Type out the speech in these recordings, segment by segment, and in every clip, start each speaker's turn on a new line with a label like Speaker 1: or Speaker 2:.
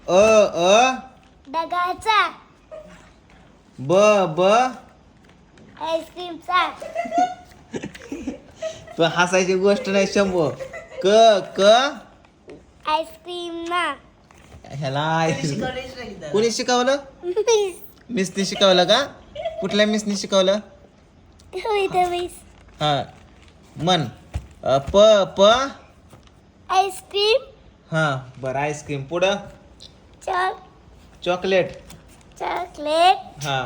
Speaker 1: ढगाचा.
Speaker 2: ब
Speaker 1: आईस्क्रीमचा.
Speaker 2: तू हसायची गोष्ट नाही शंभू. क
Speaker 1: आईस्क्रीम ना.
Speaker 2: ह्याला कोणी शिकवलं? मिसनी शिकवलं का? कुठल्या मिसनी शिकवलं? हा मन प
Speaker 1: आईस्क्रीम.
Speaker 2: हा बरं आईस्क्रीम. पुढं चॉकलेट.
Speaker 1: चॉकलेट.
Speaker 2: हा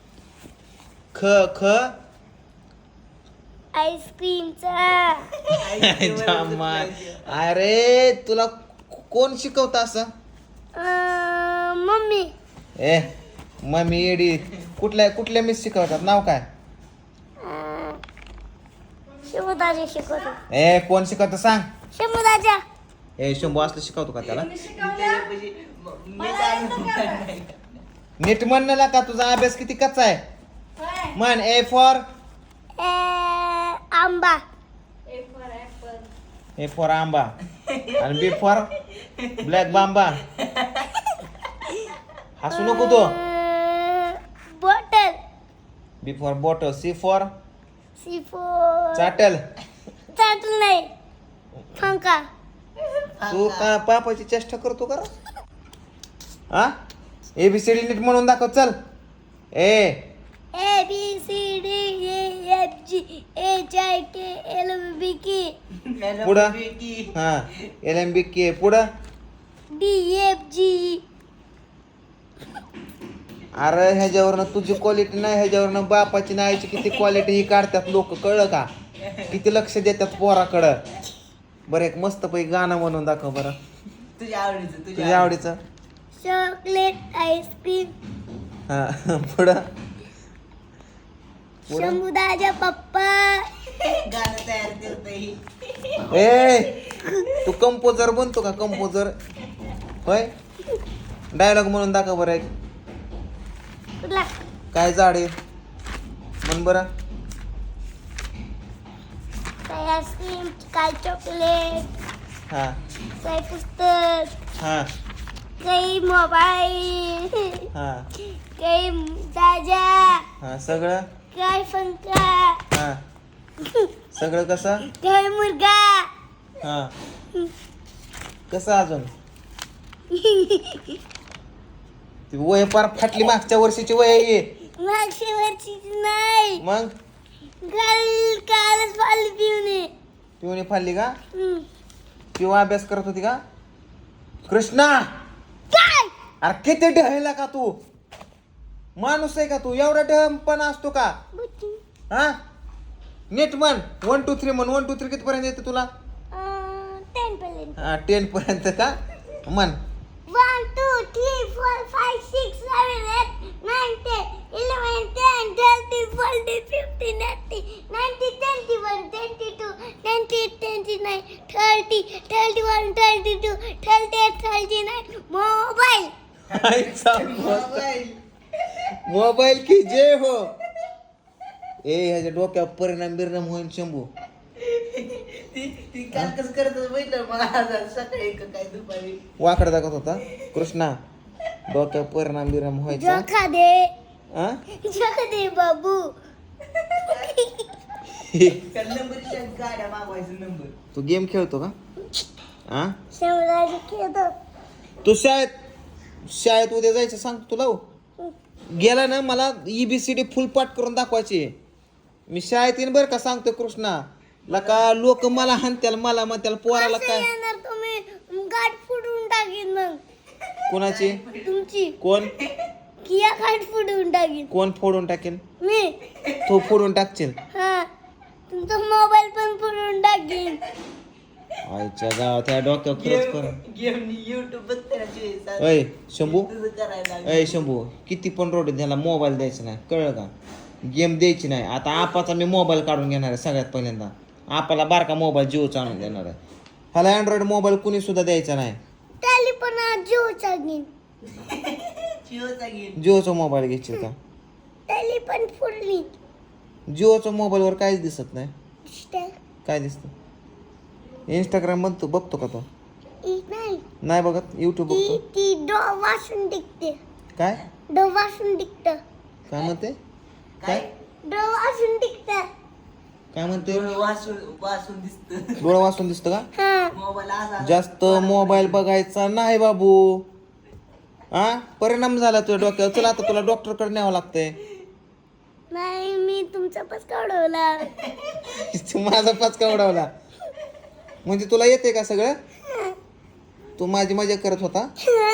Speaker 2: ख
Speaker 1: आईस्क्रीमचा.
Speaker 2: अरे तुला कोण शिकवतं असं?
Speaker 1: मम्मी.
Speaker 2: ए मम्मी एडी. कुठल्या मिस शिकवतात? नाव काय?
Speaker 1: शंभूदाजा शिकवतो.
Speaker 2: ए कोण शिकवतं सांग?
Speaker 1: शंभूदाजा.
Speaker 2: ए शंभू असलं शिकवतो का त्याला? नीट म्हणलं का? तुझा अभ्यास किती कच्चा आहे? म्हण ए फॉर
Speaker 1: आंबा.
Speaker 2: ए फॉर आंबा. आणि बी फॉर ब्लॅक बांबा. हसू नको तो.
Speaker 1: Bottle.
Speaker 2: B for bottle. C for चाटल.
Speaker 1: चाटल नाही. पंखा.
Speaker 2: तू का पापाची चेष्टा करतो का? हा ABCD नीट म्हणून दाखव चल.
Speaker 1: ABCDEFGHIKLMNOP.
Speaker 2: पुढं हा LMBK. पुढं
Speaker 1: DFG.
Speaker 2: अरे ह्याच्यावरनं तुझी क्वालिटी नाही, ह्याच्यावरनं बापाची नाही आईची किती क्वालिटी ही काढतात लोक. कळलं का? किती लक्ष देतात पोराकडं. बरं एक मस्त पैकी गाणं म्हणून दाखव बरं. तुझ्या आवडीचं.
Speaker 1: Chocolate ice cream.
Speaker 2: हा पुढं
Speaker 1: शंभूदाजा पप्पा.
Speaker 3: गाणं तयार करतोय.
Speaker 2: ए तू कंपोजर बनतो का? कंपोजर होय. डायलॉग म्हणून दाखव बरं एक.
Speaker 1: कुठला?
Speaker 2: काय झाड आहे म्हण बरं.
Speaker 1: काय आईस्क्रीम. काय चॉकलेट.
Speaker 2: हा
Speaker 1: काय पुस्तक.
Speaker 2: हा
Speaker 1: काही मोबाईल.
Speaker 2: हा
Speaker 1: काही दाजा.
Speaker 2: हा सगळं.
Speaker 1: काय पंखा.
Speaker 2: हा सगळं कसं?
Speaker 1: काय मुलगा.
Speaker 2: हा कसं अजून? ती वय पार फाटली. मागच्या वर्षीची वय आहे.
Speaker 1: मागच्या वर्षीची नाही.
Speaker 2: मग
Speaker 1: कालच पाली पिऊने.
Speaker 2: पिवणी फाडली का? किंवा अभ्यास करत होती का? कृष्णा
Speaker 1: काय?
Speaker 2: अरे किती ढळला का तू? माणूस आहे का तू? एवढा ढळपणा असतो का? हा नीट म्हण. 1 2 3 म्हण. 1 2 3 किती पर्यंत येते तुला?
Speaker 1: 10 पर्यंत.
Speaker 2: हा 10 पर्यंत का? म्हण.
Speaker 1: 1 2 3 4 5 6 7 8 9 10 11 10 12 13 14 15 16 17 18 19 20 21 22 23 24 25 26 27 28 29 30 मोबाईल.
Speaker 2: मोबाईल की जे हो. ए ह्याच्या डोक्यावर परिणाम होईल शंभू.
Speaker 3: ती काल कसं करत बघितलं मला सकाळी काय दुपारी
Speaker 2: वाकड दाखवत होता कृष्णा. डोक्यावर परिणाम व्हायचा.
Speaker 1: जोखा दे.
Speaker 2: हा
Speaker 1: जोखा दे बाबू.
Speaker 3: नंबरच्या गाड्या मागवायचं नंबर.
Speaker 2: तू गेम खेळतो का? हा
Speaker 1: शंभूदाजा खेळतो.
Speaker 2: तू शाळेत उद्या जायचं सांग तुला. गेला ना मला EBCD फुल पाठ करून दाखवायची. मी शाळेत येईन बरं का सांगतो कृष्णा. लका लोक मला हाणत्याल. मला म्हणत्याल पोराला काय.
Speaker 1: येणार तुम्ही गाठ फुडून टाकीन मग.
Speaker 2: कोणाची?
Speaker 1: तुमची.
Speaker 2: कोण?
Speaker 1: किया गाठ फुडून टाकीन.
Speaker 2: कोण फोडून टाकेल?
Speaker 1: मी.
Speaker 2: तू फोडून टाकशील.
Speaker 1: हा तुमचा मोबाईल पण फुडून टाकीन.
Speaker 2: आईच्या गावात त्या डोक्यावर खरंच कर.
Speaker 3: गेम युट्यूब बघते.
Speaker 2: अय शंभू.
Speaker 3: तुझं करायला
Speaker 2: अय शंभू किती पण रोड त्याला मोबाईल द्यायचा नाही. कळलं का? गेम द्यायची नाही. आता आपाचा मी मोबाईल काढून घेणार आहे सगळ्यात पहिल्यांदा. आपाला बारका मोबाईल जिओचा आणून देणार आहे. ह्याला अँड्रॉइड मोबाईल कुणी सुद्धा द्यायचा नाही.
Speaker 1: त्याली पण आज जिओचा घेईन.
Speaker 3: जिओचा गेम.
Speaker 2: जिओचा मोबाईल घ्यायची का?
Speaker 1: त्याली पण फुडली.
Speaker 2: जिओच्या मोबाईलवर काहीच दिसत नाही.
Speaker 1: दिसतंय.
Speaker 2: काय दिसतं? इंस्टाग्राम बघतो का तो?
Speaker 1: नाही.
Speaker 2: नाही बघत युट्यूब
Speaker 1: ती
Speaker 2: बघतो.
Speaker 1: ती डो वाचून टिकते.
Speaker 2: काय
Speaker 1: डो वाचून टिकत.
Speaker 2: काय म्हणते
Speaker 3: काय
Speaker 1: डो वाचून टिकत.
Speaker 2: काय म्हणते
Speaker 3: डोळं वाचून वाचून दिसत
Speaker 2: डोळा वाचून दिसतं का?
Speaker 1: हा.
Speaker 3: मोबाईल असा
Speaker 2: जास्त मोबाईल बघायचा नाही बाबू. हा परिणाम झाला तुझ्या डोक्यावर. चला आता तुला डॉक्टर कडे न्यावं लागतंय.
Speaker 1: नाही मी तुमचा पस काढवला.
Speaker 2: तू माझा पाचका उडवला म्हणजे तुला येते का सगळं? तू माझी मजा करत होता.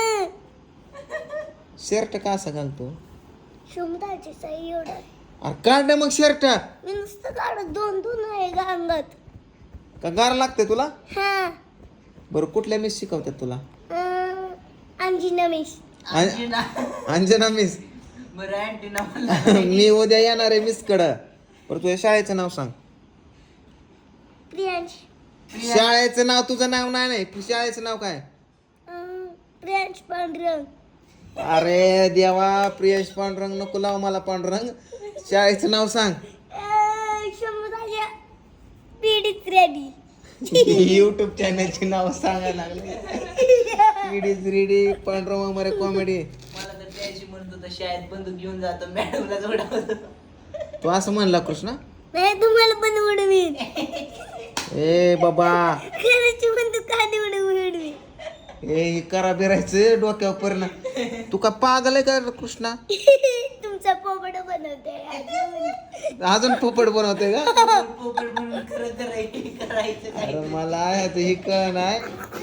Speaker 2: शर्ट का असा घालतो?
Speaker 1: क्षमताची सही एवढं.
Speaker 2: अरे काढ ना मग शर्ट.
Speaker 1: मी नुसतं काढत दोन दोन आहे गांगात.
Speaker 2: का गार लागते तुला?
Speaker 1: हा.
Speaker 2: बरं कुठल्या मिस शिकवतात तुला?
Speaker 1: अंजिना मिस.
Speaker 3: अंजिना
Speaker 2: अंजना मिस.
Speaker 3: बरं अँटीना मला
Speaker 2: मी उद्या येणार आहे मिस कडं. बरं तुझ्या शाळेचं नाव सांग.
Speaker 1: प्रियांश.
Speaker 2: शाळेचं नाव तुझं नाव नाही शाळेचं नाव काय?
Speaker 1: प्रियांश पांढरंग.
Speaker 2: अरे देवा प्रियश पांडुरंग नको लाव मला पांडुरंग. शाळेचं नाव सांग.
Speaker 1: क्षमताच्या पीडित रेडी.
Speaker 2: युट्यूब चॅनलची नाव सांगायला लागले. पीडीच रेडी पांडुरंग मरे कॉमेडी.
Speaker 3: मला तर त्याशी म्हणत होता शाळेत बंदूक घेऊन जातो मॅडमला जोडावतो.
Speaker 2: तू असं म्हणला कृष्णा?
Speaker 1: नाही तुम्हाला पण उडवीन.
Speaker 2: ए बाबा
Speaker 1: खरंच बंदूक खाली उडवीन.
Speaker 2: हे करा बिरायचं डोक्यावर परिणाम. तू का पागल आहे का कृष्णा?
Speaker 1: तुमचा पोपट बनवते.
Speaker 2: अजून पोपट बनवते का?
Speaker 3: पोपट म्हणून खरं करायचं काय
Speaker 2: अरे मला ह्याचं हे कळ नाही.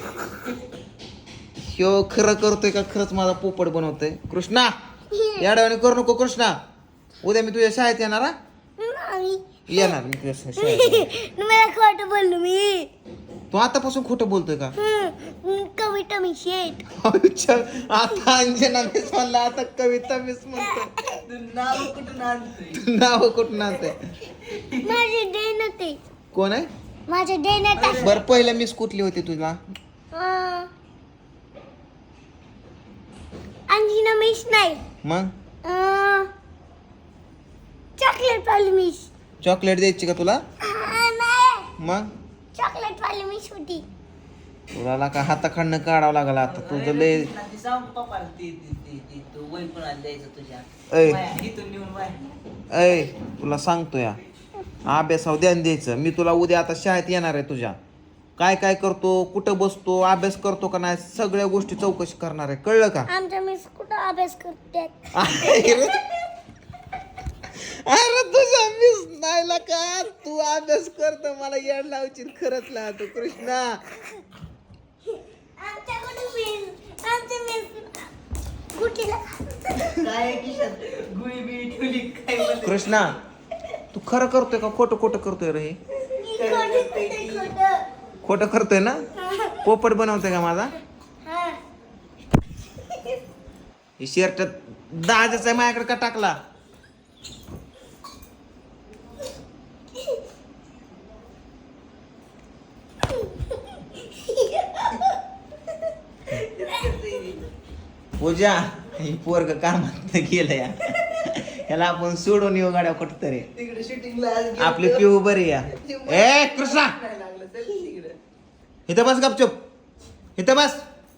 Speaker 2: ह्यो खरं करतोय का खरंच माझा पोपट बनवतोय? कृष्णा याडवाने करू नको कृष्णा. उद्या मी तुझ्या शाळेत येणार हा?
Speaker 1: नाही.
Speaker 2: येणार मी तुझ्या शाळेत येणार.
Speaker 1: तुम्हाला खोटं बोललो मी.
Speaker 2: तू आतापासून खोटं बोलतोय का?
Speaker 1: कविता मी शेट.
Speaker 2: अच्छा, आता अंजना मिस म्हणला आता कविता मिस म्हणतोय.
Speaker 3: तू नाव कुठून आणतोय
Speaker 2: तू नाव कुठून आणतोय?
Speaker 1: माझे डेन ते.
Speaker 2: कोण आहे?
Speaker 1: माझे डेन
Speaker 2: बरं पहिल्या मिस कुठली होती तुला?
Speaker 1: अंजिना मिस नाही.
Speaker 2: मग
Speaker 1: चॉकलेट वाली मिस.
Speaker 2: चॉकलेट द्यायची का तुला?
Speaker 1: नाही
Speaker 2: मग
Speaker 1: चॉकलेट वाली मिस होती.
Speaker 2: तुला का हाताखांड काढावं लागला आता तुझं लय.
Speaker 3: ती सांग पप्पाला ती तू वही पण द्यायचं तुझ्या
Speaker 2: ऐ.
Speaker 3: वाया, इथून नेऊन वाया.
Speaker 2: ऐ तुला सांगतो या अभ्यासावर ध्यान द्यायचं. मी तुला उद्या आता शाळेत येणार आहे तुझ्या. काय काय करतो कुठं बसतो अभ्यास करतो का नाही सगळ्या गोष्टी चौकशी करणार आहे. कळलं का?
Speaker 1: आमच्या मिस कुठं अभ्यास करतात.
Speaker 2: अरे तुझा मिस नाही का तू अभ्यास करतो मला येड लावची खरंच ला तू कृष्णा.
Speaker 1: आमच्या मिस गुटीला
Speaker 3: काय किशात गुळी बिळी ठेवली काय बोलते?
Speaker 2: कृष्णा तू खरं करतोय का खोटं खोटं करतोय रे? खोटं करतोय ना? पोपट बनवतोय का माझा? हे शर्ट दाजाचा आहे माझ्याकडे का टाकला? पूजा ही पोरग कामात गेलं या. ह्याला आपण सोडून येऊ गाड्या कुठं तरी.
Speaker 3: तिकडे शूटिंगला
Speaker 2: आपली पिऊ बरी या. ए कृष्णा
Speaker 3: लागलं चल तिकडे.
Speaker 2: इथं बस गपचूप. इथं बस.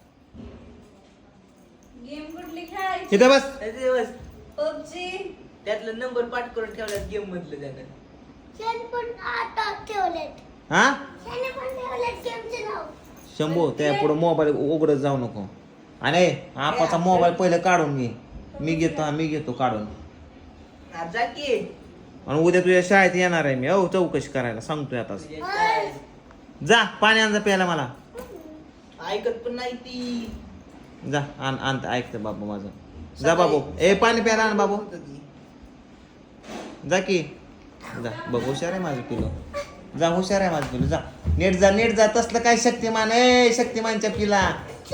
Speaker 4: गेम कुठली खेळायची?
Speaker 2: इथं बस.
Speaker 3: त्याचे दिवस
Speaker 4: पबजी.
Speaker 3: त्यातलं नंबर पाठ करून ठेवल्यात गेम मधलं त्यानं.
Speaker 1: शेण पण आता ठेवलेत.
Speaker 2: हा
Speaker 1: शेण पण ठेवलेत गेमचे नाव.
Speaker 2: शंभू त्या पुढे मोबाईल उघडत जाऊ नको. आणि आपाचा मोबाईल पहिले काढून घे. मी घेतो काढून.
Speaker 3: हा, जा की
Speaker 2: आणि उद्या तुझ्या शाळेत येणार आहे मी. हो चौकशी करायला सांगतोय आता.
Speaker 3: तुझ्या शाळेत.
Speaker 2: जा पाणी आण जा प्यायला मला.
Speaker 3: ऐकत पण नाही ती.
Speaker 2: जा आण ऐकतं बाबू माझं. जा बाबू. ए पाणी प्यायला आण बाबू. जा की जा बघ हुशार आहे माझं पिलो. जा हुशार आहे माझं पिलो. जा नीट जा तसलं काय शक्तिमान आहे शक्तिमानच्या पिला.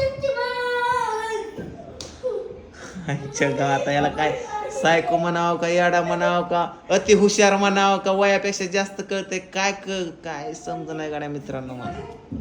Speaker 2: आता याला काय सायको म्हणावं का याडा म्हणावं का अति हुशार म्हणावं का वयापेक्षा जास्त कळतंय काय काय समज नाही गाड्या मित्रांनो मला.